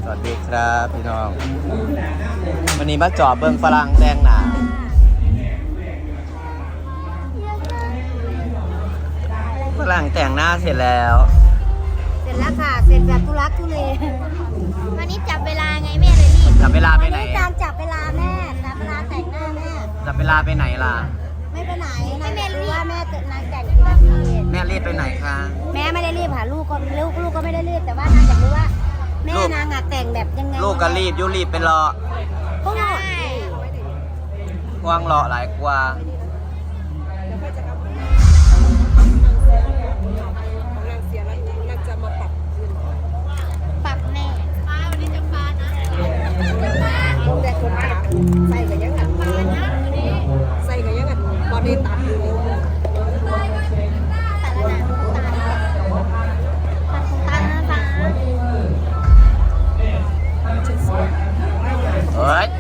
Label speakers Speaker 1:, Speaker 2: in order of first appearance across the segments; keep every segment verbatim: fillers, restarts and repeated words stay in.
Speaker 1: วัสดีครับพี่น้องวันนี้มาจอบเบิ้งฝรั่งแต่งหน้าฝรั่งแต่งหน้าเสร็จแล้ว
Speaker 2: เสร็จแล้วค่ะเสร็จแบบทุลักทุเลวันนี้จับเวลาไงแม่เลยรีบ
Speaker 1: จับเวลาไปไหน
Speaker 2: การจับเวลาแม่จับเวลาแต่งหน้าแม่
Speaker 1: จับเวลาไปไหนล่ะ
Speaker 2: ไม่ไปไหนให้แม่รู้ว่าแม่จะนางแต่งกี่นาที
Speaker 1: แม่รีบไปไหนคะ
Speaker 2: แม่ไม่ได้รีบค่ะลูกก็ลูกลูกก็ไม่ได้รีบแต่ว่านางอยากรู้ว่าแม่นางอะแต่งแบบยังไง
Speaker 1: ลูกก็รีบยุรีบเป็นรอ
Speaker 2: ก็ใช่
Speaker 1: กวางรอหลายกว่า
Speaker 2: ปักแน่ป้าวันนี้จะฟ้านะแต่คนตัดใส่กับยังไงใส่กับยังไงบอดี้ตัดอยู่ตัดแล้วนะตัดของตันนะป้า
Speaker 1: เฮ้ย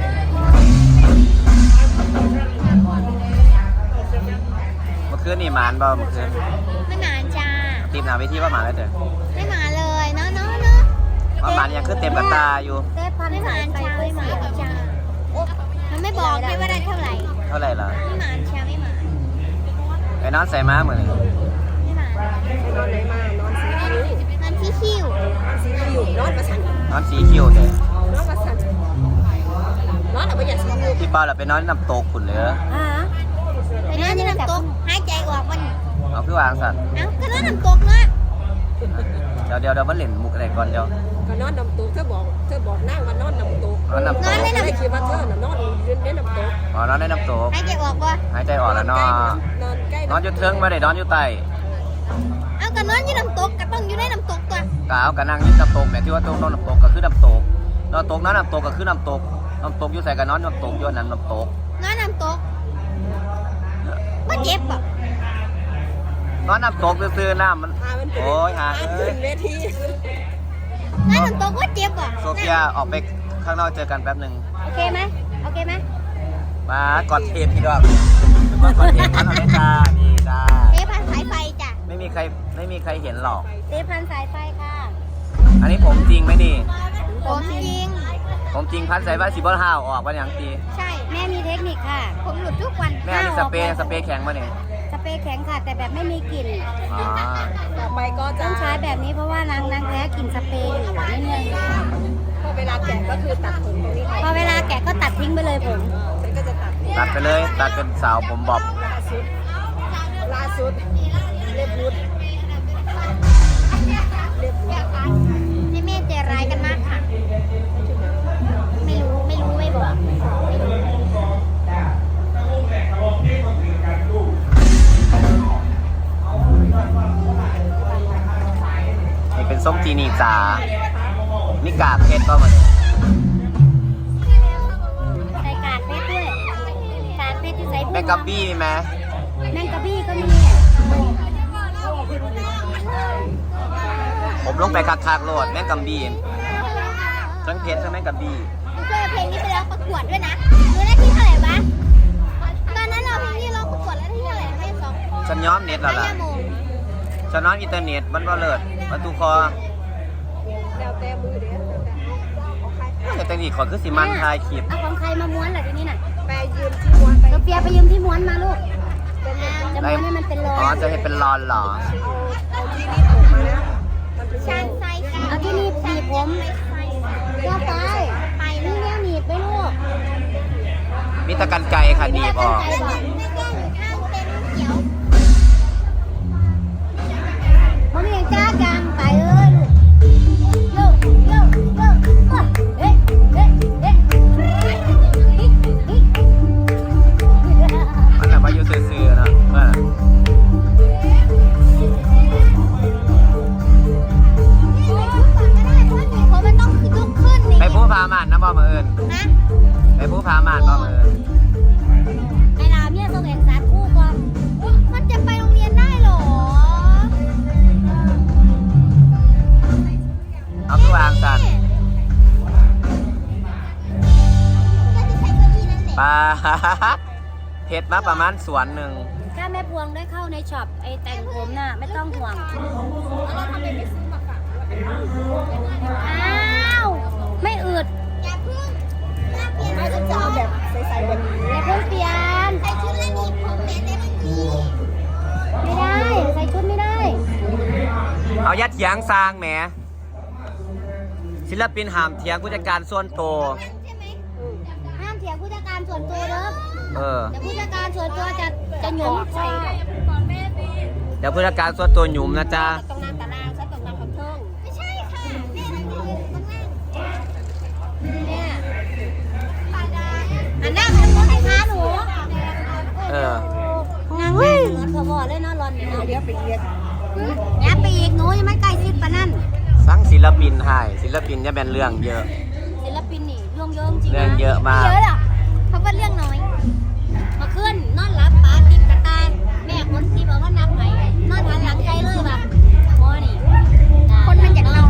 Speaker 1: เมื่อคืนนี่หมานบ่เมื่อคืน
Speaker 2: ไม่หมานจ้า
Speaker 1: ทีมหนาเวทีว่าหมานแล้วเถอะ
Speaker 2: ไม่หมานเลยเนาะเนาะเนาะ
Speaker 1: ว่าหมานยังขึ้นเต็มกระตาอยู่
Speaker 2: เต้พันไม่หมานจ้าไม่หมานจ้ามันไม่บอกเลยว่าได้เท่าไหร่
Speaker 1: เท่าไหร่ล่ะ
Speaker 2: ไม่หมานจ้าไม่หมาน
Speaker 1: ไปนอนใส่ม้าเหมือน
Speaker 2: ไม่หมานนอนไหนมานอนสีคิ้วนอนที่คิ้วนอนสีคิ้วนอนประชัน
Speaker 1: นอนสีคิ้วเถอะ
Speaker 2: นอนประชันนอนแต่ไม่อยากสีคิ้ว
Speaker 1: พี่ป้าเราไปนอนน้ำตกขุนเหลือ
Speaker 2: อ่าไปนอนที่น้ำตกหายใจออกมัน
Speaker 1: เอาคือวางสัตว์
Speaker 2: เอ้าก็นอนน้ำตกเนาะ
Speaker 1: เดี๋ยวเดี๋ยวเดี๋ยวมันเล่นมุกอะไรก่อนเดี๋ยว
Speaker 3: ก็นอนน้ำตกเธอบอกเธอบอกนั่งว่านอนน้ำตก
Speaker 1: นอนน้ำตก
Speaker 3: ไม่คิดว่าเธอน่ะนอนยืนในน้ำตก
Speaker 1: อ๋อนอนในน้ำตก
Speaker 2: หายใจออกป่ะ
Speaker 1: หายใจออกแล้วนอน
Speaker 3: นอนใกล้
Speaker 1: นอนอยู่เทิงไม่ได้นอนอยู่ใต้
Speaker 2: เอาก็นอนอยู่น้ำตกก็ต้องอยู่ในน้ำตกตัว
Speaker 1: กาวกับนั่งอยู่น้ำตกแต่ที่ว่าต้องนอนน้ำตกก็คือน้ำตกนอนตกนอนน้ำตกก็คือน้ำตกน้ำตกอยู่ใส่กับนอนน้ำตกอยู่นั่นน้ำตก
Speaker 2: นอนน้ำตกไม่เจ็บป่ะ
Speaker 1: นอนน้ำตกซื้อน้ำมันโอ้ยหาเอ้ย
Speaker 3: เวที
Speaker 2: นอนน้ำตกว่าเจ็บป่ะ
Speaker 1: โซเฟียออกไปข้างนอกเจอกันแป๊บหนึ่ง
Speaker 2: โอเคไหมโอเคไหม
Speaker 1: มากอดเทปพี่ดอกมากอดเทปพันเอาเลยจ้านี่จ้า
Speaker 2: เทปพันสายไฟจ้ะ
Speaker 1: ไม่มีใครไม่มีใครเห็นหรอก
Speaker 2: เทปพันสายไฟค่ะ
Speaker 1: อันนี้ผมจริงไหมนี่
Speaker 2: ผมจริง
Speaker 1: ผมจริงพันสายไฟสีบอลห้าวออกวันอย่างตี
Speaker 2: ใช่แม่มีเทคนิคค่ะผมหลุดทุกวัน
Speaker 1: แม่มีสเปรย์สเปรย์แข็งมาเนี่ย
Speaker 2: สเปรย์แข็งค่ะแต่แบบไม่มีกลิ่น
Speaker 3: ต่อไปก็จะ
Speaker 2: ต้องใช้แบบนี้เพราะว่านางนางแพ้กลิ่นสเปรย์อยู่นิดนึง
Speaker 3: พอเวลาแกะก็คือตัดผมตรงนี้
Speaker 2: พอเวลาแกะก็ตัดทิ้งไปเลยผม
Speaker 3: ฉันก็จะตัด
Speaker 1: ตัดไปเลยตัดเป็นสาวผมบอบ
Speaker 3: ล่าสุดล่าสุดเล็บรุดเล็บรุด
Speaker 2: ให้แม่ใจร้ายกันมากค่ะไม่รู้ไม่รู้ไม่บอก
Speaker 1: นี่เป็นส้มจีนีจ๋านี่กากเพชรก็มาเลย
Speaker 2: ใส่กากเพชรด้วยกากเพชรที่ใส่
Speaker 1: แมงกะบี้มีไหม
Speaker 2: แมงกะบี้ก็มี
Speaker 1: ผมลงไปคักๆโลดแมงกะบี้ทั้งเพชรทั้งแมงกะบี้
Speaker 2: เคยเพลงนี้ไปร้องประกวดด้วยนะรู้ได้ที่เท่าไหร่บ้างตอนนั้นเราเพลงนี้ร้องประกวดแล้วที่เท่าไหร่ไม่สอง
Speaker 1: ฉันย้อมเน็ตแล้วล่ะฉันน้อยอินเทอร์เน็ตมันก็เลิศมันตูคอ
Speaker 3: แล้วแต่มือเด้อ
Speaker 1: แต่แต่นี่ขอคือสิมันทายคลิป
Speaker 2: เอาของใครมาม้วนเหรอทีนี้น่ะ
Speaker 3: ไปยืมที่ม้วนไป
Speaker 2: โซเฟียไปยืมที่ม้วนมาลูกจะม้วนให้มันเป็นรอน
Speaker 1: อ๋อจะให้เป็นรอนเหรอ
Speaker 3: เอาที่นี่ผมมานะ
Speaker 2: ชานไซเอาที่นี่หนีบผมก็ไปไปนี่แนวหนีบไปลูก
Speaker 1: มีตะกันไก่ค่ะหนีบออก
Speaker 2: ผมยังจ้าจังไปเอ้ยลูกโยโยโยเฮ้เฮ้เฮ้
Speaker 1: มันแบบว่าอยู่ซื่อๆนะเมื่อไปผู้พาม่านนะบ่มาเอิญไปผู้พาม่านบ่มาเอิญ
Speaker 2: ไอ้รามเนี่ยส่งเอกสารคู่ก่อนมันจะไปโรงเรียนได้หรอ
Speaker 1: เอาคือวางสันปลาเห็ดมาประมาณสวนหนึ่ง
Speaker 2: ถ้าแม่พวงได้เข้าในช็อปไอ้แต่งผมน่ะไม่ต้องห่วงอ้าว
Speaker 1: ถียงสร้างแหมศิลปินห้ามเถียงผู้จัดการส่วนตัว
Speaker 4: ใช่ไหมห้ามเถียงผู้จัดการส่วนตัวเด้อ
Speaker 1: เออ
Speaker 4: แต่ผู้จัดการส่วนตัวจะจะหยุมใส่
Speaker 1: เดี๋ยวผู้จัดการส่วนตัวหยุมนะจ๊ะ
Speaker 2: ตรงนั้นตารางฉันตรงนั้นคำเทิง
Speaker 4: ไม่ใช่ค่ะแม่นั่งอยู่ตรงล่างเนี่ย
Speaker 2: อันนั้น
Speaker 4: ทำให้ค้าหนู
Speaker 1: เออ
Speaker 4: งานเว้ยรถพอบอเลยเนาะรอนเนี่ยเนาะ
Speaker 2: เดี๋ยวไปเรียก
Speaker 4: อย่าไปอีกหนูยังไม่ใกล้ชิดปะนั่น
Speaker 1: สั่งศิลปินให้ศิลปินจะเป็นเรื่องเยอะ
Speaker 4: ศิลปินนี่เรื่องเยอะจริงนะ
Speaker 1: เรื่องเยอะมาก
Speaker 4: เยอะหรอกเพราะว่าเรื่องน้อยมาขึ้นนอนรับป้าติดกระตายแม่คนที่บอกว่านับไหนนอนหันหลังใจเลยว่ะโมนี่คนมันอยากนอน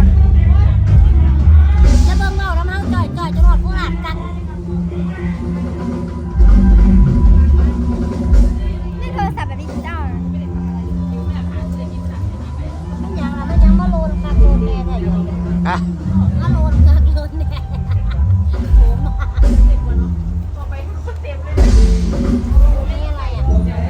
Speaker 4: จะเบิ่งเมาแล้วมั้งจ่อยจ่อยจะรอดผู้หลานกันนี่โทรศัพท์แบบดิจิตอลไม่ยังละไม่ยังมาโลนกักโลนแน่แท้อยู่
Speaker 1: อ่ะ
Speaker 4: มาโลนกักโลนแน่โหมานี่อะไรอ่ะ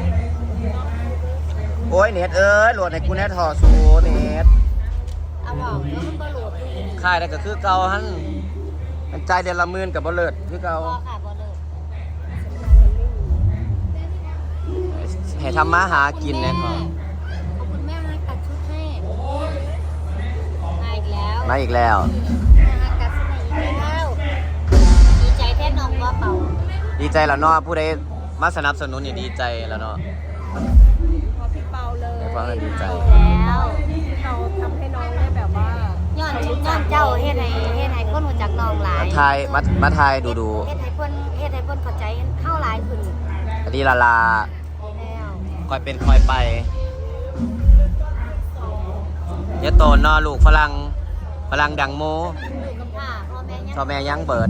Speaker 1: โอ้ยเน็ตเอ้ยโหลดในกูแน่ถอสูเน็ต
Speaker 4: เอาบอกเดี๋ยวมันก็โหลดอยู่
Speaker 1: ค่ายได้ก็คือเก่าหันมันใจายเดือนละหมื่นกับบ่เลิศคือเก่า
Speaker 4: พอค่ะพอเลย
Speaker 1: ให้ทำมาหากินแน่นอน
Speaker 4: ขอบคุณแม่มาตัดชุดให้มาอีกแล้ว
Speaker 1: มาอีกแล้ว
Speaker 4: แม่มาตัดชุดให้อีกแล้วดีใจแท้น้องว่าเป่า
Speaker 1: ดีใจแล้วเนาะผู้ใดมาสนับสนุนนี่ดีใจแล้วเนาะ
Speaker 2: พอพี่เปาเลย
Speaker 1: ให้ฟังแล้วดีใจ
Speaker 4: แล้ว
Speaker 2: เราทำให้น้องได้แบบว่า
Speaker 4: ย้อนชุดย้อนเจ้าเฮ็ดให้เฮ็ดให้คนรู้จักน้องหลาย
Speaker 1: มาทายมามาทายดูดู
Speaker 4: เฮ็ดให้เพิ่นเฮ็ดให้เพิ่นเข้าใจเข้าหลายขึ้น
Speaker 1: อันนี้ลาลา
Speaker 4: แล้ว
Speaker 1: คอยเป็นคอยไปเดี๋ยอะโตนเนอลูกฝรั่งฝรั่งดังโม
Speaker 4: อยู่กับพ่อพ่อแม่ยัง
Speaker 1: ชอแม่ยังเปิด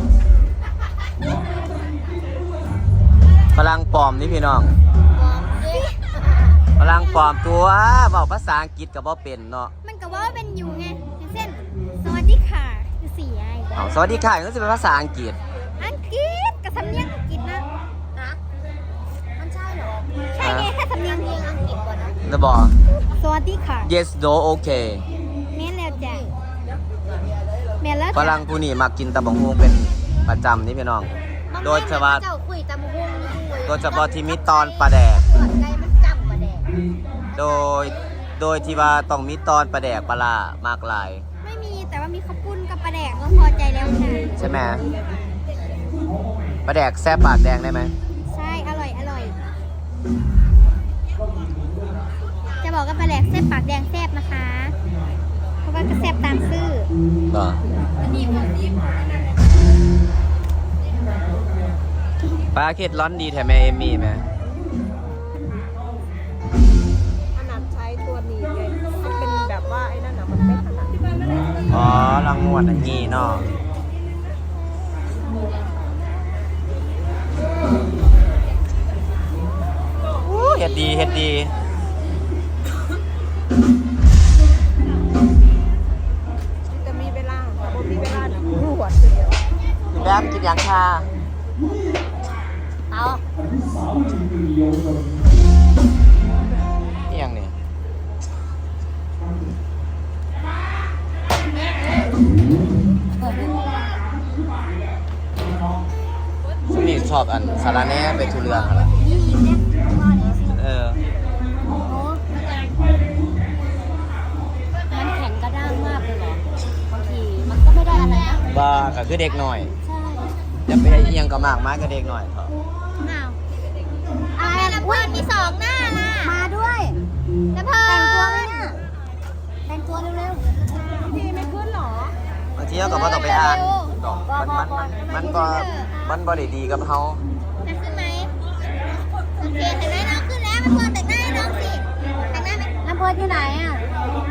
Speaker 1: ฝรั่งปลอมนี่พี่น้อง
Speaker 4: บอกสิ
Speaker 1: ฝรั่งปลอมตัวเว้าภาษาอังกฤษกับบ่เป็นเนาะ
Speaker 4: มันก็ว่าเป็นอยู่ไงอย่างเช่นสวัสดีค่ะคือสี่ไอ้
Speaker 1: เอาสวัสดีค่ะก็สิเป็นภาษาอังกฤษ
Speaker 4: อังกฤษกับสำเนียงอังกฤษนะฮะมันใช่เหรอ ใช่ไงแค่สำเนียงเพียงอังกฤษก่อนนะ
Speaker 1: จะบอก
Speaker 4: สวัสดีค่ะ
Speaker 1: yes no okay
Speaker 4: แม่นแล้วจ้ะแม่นแล้ว
Speaker 1: ฝรั่งผู้นี้มากินตะบงฮวงเป็นประจำนี่พี่น้อง โดยเฉพาะ
Speaker 4: เจ้าคุยตามหุ้งคุย
Speaker 1: โดยเฉพาะที่มีตอนปลาแดก
Speaker 4: เกิดไก่มันจำประแดก
Speaker 1: โดย โดยที่ว่าต้องมีตอนปลาแดกปลาร้ามากลาย
Speaker 4: ไม่มีแต่ว่ามีข้าวปุ้นกับปลาแดกก็พอใจแล้วค่ะ
Speaker 1: ใช่ไหมปลาแดกแซ่บปากแดงได้ไหม
Speaker 4: ใช่อร่อยอร่อย จะบอกว่าปลาแดกแซ่บปากแดงแซ่บนะคะ เพราะว่าก็แซ่บตามซื่อ
Speaker 1: เหรอปลาเค็ดร้อนดีแถมแม่เอมมี่ไหม
Speaker 2: ขนาดใช้ตัวหนี้ไงถ้าเป็นแบบว่าไอ้นั่นน่ะมันไม่ขนาด
Speaker 1: อ๋อลังงวดอันนี้เนาะอู้เฮ็ดดีเฮ็ดดี
Speaker 2: จะมีเวลาค่ะบ่มีเวลาน่ะรวดทีเดียว
Speaker 1: แล้กินยังค่ะ
Speaker 4: เอา
Speaker 1: นี่ยังนี่ซึ่งนี่ชอบอันสาระแหน่ไปทุเรืองอะไร
Speaker 4: นี่อีกเนี่ยพ่อนี่สิ
Speaker 1: เออ
Speaker 4: โอ้มันแข็งกระด้างมากเลยเหรอบางทีมันก็ไม่ได้อะไรนะ
Speaker 1: บ้าก็คือเด็กหน่อย
Speaker 4: ใช่
Speaker 1: จะไปเอียงก็มากมากก็เด็กหน่อยเถอะ
Speaker 4: อ้าวอะไรนะเพื่อนมีสองหน้าล่ะ มาด้วยแล้วเพิ่แต่งตัวไหมเนี่ยแต่งตัวเร็ว
Speaker 2: พี่ไม่ขึ้นหรอบ
Speaker 1: างทีเราก็บ่ต้องไปอ่านดอกมันมันมันมันก็มันบ่ได้ดีกับเฮา
Speaker 4: ๆจะขึ้นไหมโอเคแต่งหน้าน้องขึ้นแล้วมาเพื่อนแต่งหน้าให้น้องสิแต่งหน้าไหมน้ำเพื่อนที่ไหนอ่ะ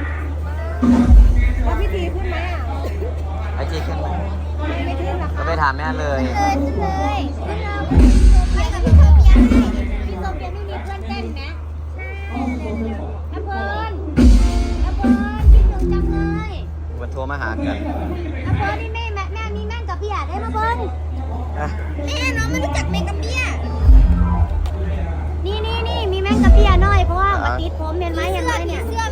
Speaker 2: แล้วพี่ทีขึ้นไหมอ่ะ
Speaker 1: ไอ้ที่ขึ้นมา
Speaker 2: ไม่ขึ้นหรอ
Speaker 1: ก็
Speaker 2: คะ
Speaker 1: ไปถามแม่เลย
Speaker 4: เลยขึ้นเลยขึ้นเลยไปกับพี่โซเฟียให้พี่โซเฟียไม่มีเพื่อนเต้นนะใช่น้ำเพื่อนน้ำเพื่อนคิดถึงจังเลย
Speaker 1: วันโทรมาหากัน
Speaker 4: น้ำเพื่อนนี่แม่แม่แม่มีแม่งกับพี่อาได้มาเพื่อน
Speaker 1: อ่ะ
Speaker 4: แม่น้องไม่รู้จักแม่กับพี่อานี่นี่นี่มีแม่งกับพี่อาหน่อยเพราะว่ามาติดผมเห็นไหมเห็นไหมเนี่ยเสื้อ